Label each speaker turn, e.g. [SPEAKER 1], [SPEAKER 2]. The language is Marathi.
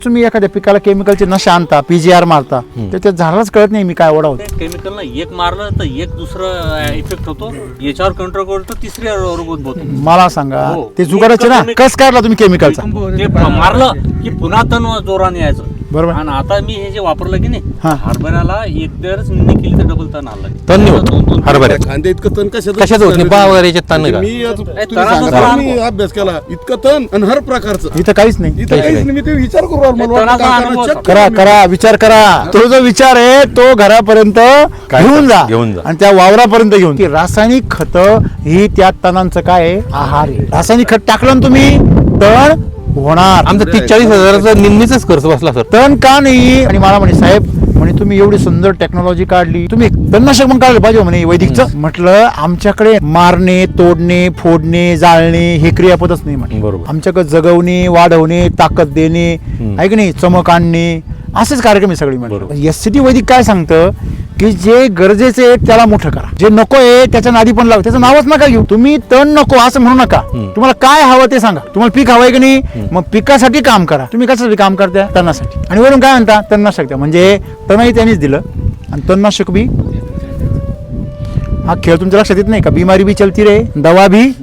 [SPEAKER 1] तुम्ही एखाद्या पिकाला केमिकलचे नशा आणता, पीजीआर मारता, तर त्या झाडालाच कळत नाही मी काय ओढावतो.
[SPEAKER 2] केमिकलला एक मारलं तर एक दुसरं इफेक्ट होतो, याच्यावर कंट्रोल करतो, तिसरी रोग होतो.
[SPEAKER 1] मला सांगा
[SPEAKER 2] हो.
[SPEAKER 1] ते जुगाराचे ना, कस काढला तुम्ही केमिकलचा?
[SPEAKER 2] ते मारलं की पुन्हा तण जोराने यायचं.
[SPEAKER 1] बरोबर.
[SPEAKER 2] आणि आता मी हे जे वापरलं की नाही,
[SPEAKER 1] हा.
[SPEAKER 2] हरभऱ्याला एकदाच निंदणी केली तर डबल तण आलं.
[SPEAKER 3] तण नाही होत हरभऱ्यात.
[SPEAKER 4] कांदे इतकं तण
[SPEAKER 3] कशाच होत नाही, पहा वगैरे याच्यात तण नाही का?
[SPEAKER 4] मी आज तुम्ही
[SPEAKER 2] तणाचं
[SPEAKER 4] सांगा,
[SPEAKER 2] तण.
[SPEAKER 4] मी अभ्यास केला इतकं तण आणि हर प्रकारचं
[SPEAKER 1] इथं काहीच नाही.
[SPEAKER 4] इथं काहीच नाही. मी ते विचार करू राहिलो. मला वाटलं
[SPEAKER 2] तणाचा
[SPEAKER 4] काय
[SPEAKER 2] अनुभव
[SPEAKER 4] करणार, check
[SPEAKER 1] करा
[SPEAKER 4] करू
[SPEAKER 1] करा विचार करा. तो जो विचार आहे तो घरापर्यंत
[SPEAKER 3] काय
[SPEAKER 1] घेऊन जा
[SPEAKER 3] घेऊन जा.
[SPEAKER 1] आणि त्या वावरापर्यंत घेऊन की रासायनिक खत ही त्या तणांचं काय आहे, आहार आहे. रासायनिक खत टाकलं ना तुम्ही, तण होणार.
[SPEAKER 3] आमचा 30-40 हजाराचा निम्मीचाच खर्च बसला सर.
[SPEAKER 1] तण का नाही? आणि मला म्हणे साहेब म्हणे तुम्ही एवढी सुंदर टेक्नॉलॉजी काढली, तुम्ही तणनाशक पण काढलं पाहिजे म्हणे वैदिकचं. म्हटलं आमच्याकडे मारणे, तोडणे, फोडणे, जाळणे हे क्रियापदच नाही म्हणे.
[SPEAKER 3] बरोबर.
[SPEAKER 1] आमच्याकडे जगवणे, वाढवणे, ताकद देणे, आहे की नाही, चमक आणणे, असेच कार्यक्रम आहे सगळी.
[SPEAKER 3] बरोबर.
[SPEAKER 1] एससीटी वैदिक काय सांगतं की जे गरजेचे आहे त्याला मोठं करा, जे नको आहे त्याच्या नादी पण लावा. त्याचं नावच नका घेऊ तुम्ही. तण नको असं म्हणू नका. तुम्हाला काय हवं ते सांगा. तुम्हाला पीक हवंय की नाही, मग पिकासाठी काम करा. तुम्ही कशासाठी काम करता? तणासाठी. आणि वरून काय म्हणता? तणनाशक द्या. म्हणजे तणही त्यांनीच दिलं आणि तणनाशक बी. हा खेळ तुमच्या लक्षात येत नाही का? बिमारी भी चलती रे, दवा भी